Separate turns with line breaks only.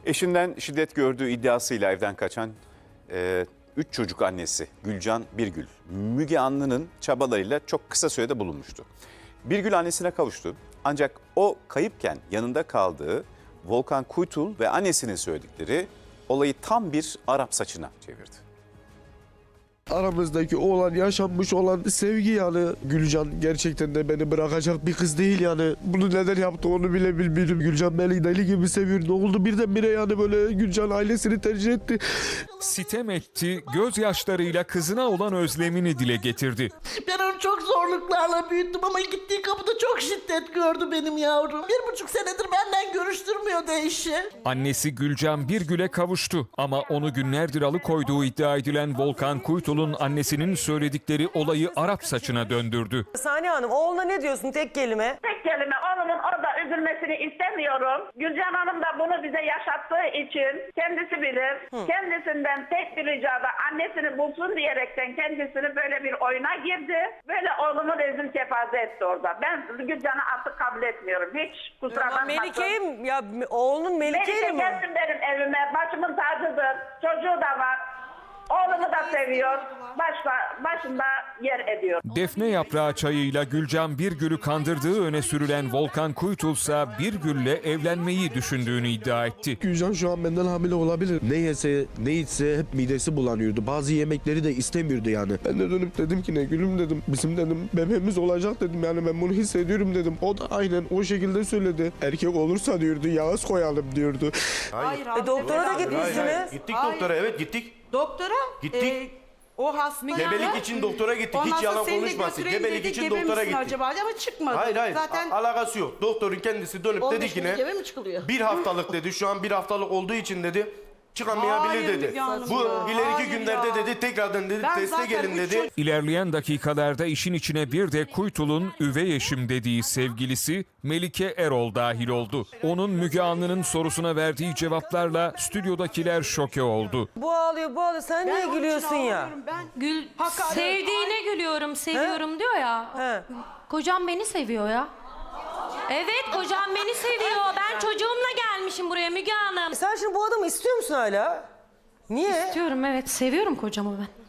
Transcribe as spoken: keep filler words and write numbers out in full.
Eşinden şiddet gördüğü iddiasıyla evden kaçan e, üç çocuk annesi Gülcan Birgül, Müge Anlı'nın çabalarıyla çok kısa sürede bulunmuştu. Birgül annesine kavuştu. Ancak o kayıpken yanında kaldığı Volkan Kuytul ve annesinin söyledikleri olayı tam bir Arap saçına çevirdi.
Aramızdaki olan, yaşanmış olan sevgi yani. Gülcan gerçekten de beni bırakacak bir kız değil yani. Bunu neden yaptı onu bile bilmiyorum. Gülcan beni deli gibi seviyor. Ne oldu birdenbire yani böyle Gülcan ailesini tercih etti.
Sitem etti, gözyaşlarıyla kızına olan özlemini dile getirdi.
Ben onu çok zorluklarla büyüttüm ama gittiği kapıda çok şiddet gördü benim yavrum. Bir buçuk senedir benden görüştürmüyordu eşi.
Annesi Gülcan Birgül'e kavuştu ama onu günlerdir alıkoyduğu iddia edilen Volkan Kuytul'un annesinin söyledikleri olayı Arap saçına döndürdü.
Saniye Hanım, oğluna ne diyorsun tek kelime?
Tek kelime, oğlumun orada üzülmesini istemiyorum. Gülcan Hanım da bunu bize yaşattığı için kendisi bilir. Hı. Kendisinden tek bir ricada annesini bulsun diyerekten kendisini böyle bir oyuna girdi. Böyle oğlumu rezil kepaze etti orada. Ben Gülcan'ı artık kabul etmiyorum. Hiç kusura bakmasın.
Melike'yim ya, oğlunun Melike'yle
Melike
mi?
gelsin benim evime. Başımın tacıdır. Çocuğu da var. Oğlumu da seviyor. Başla, başında yer ediyor.
Defne yaprağı çayıyla Gülcan Birgül'ü kandırdığı öne sürülen Volkan Kuytul ise Birgül'le evlenmeyi düşündüğünü iddia etti.
Gülcan şu an benden hamile olabilir. Ne yese ne içse hep midesi bulanıyordu. Bazı yemekleri de istemiyordu yani. Ben de dönüp dedim ki ne gülüm dedim. Bizim dedim bebeğimiz olacak dedim yani ben bunu hissediyorum dedim. O da aynen o şekilde söyledi. Erkek olursa diyordu Yağız koyalım diyordu.
Hayır.
E, doktora da
Hayır,
gitmişsiniz.
hayır. Gittik
Hayır.
doktora, evet gittik.
Doktora
Gittik.
e, o hasta
Gebelik için doktora gittik.
Ondan
Hiç
sonra
yalan
seni de
konuşmasın.
götüreyim
Gebelik
dedi,
için
gebe
doktora
misin
gittik.
acaba ama çıkmadı.
Hayır hayır.
Zaten
A- alakası yok. Doktorun kendisi dönüp dedi ki ne?
Gebe mi çıkılıyor?
Bir haftalık dedi. Şu an bir haftalık olduğu için dedi. Çıkamayabilir
Hayır
dedi.
Müge Hanım
Bu
ya,
ileriki
hayır
günlerde
ya.
dedi tekrardan dedi
Ben
teste
zaten
gelin
üç
dedi.
çocuk-
İlerleyen dakikalarda işin içine bir de Kuytul'un üvey eşim dediği sevgilisi Melike Erol dahil oldu. Onun Müge Anlı'nın sorusuna verdiği cevaplarla stüdyodakiler şoke oldu.
Bu ağlıyor, bu ağlıyor. Sen niye
onun için
gülüyorsun ya?
ağlıyorum. Ben
Gül
Hakaret.
sevdiğine gülüyorum, seviyorum diyor ya.
He.
Kocam beni seviyor ya. Evet, kocam beni seviyor. Ben çocuğumla gelmişim buraya Müge Hanım.
Sen şimdi bu adamı istiyor musun hala? Niye?
İstiyorum, evet, seviyorum kocamı ben.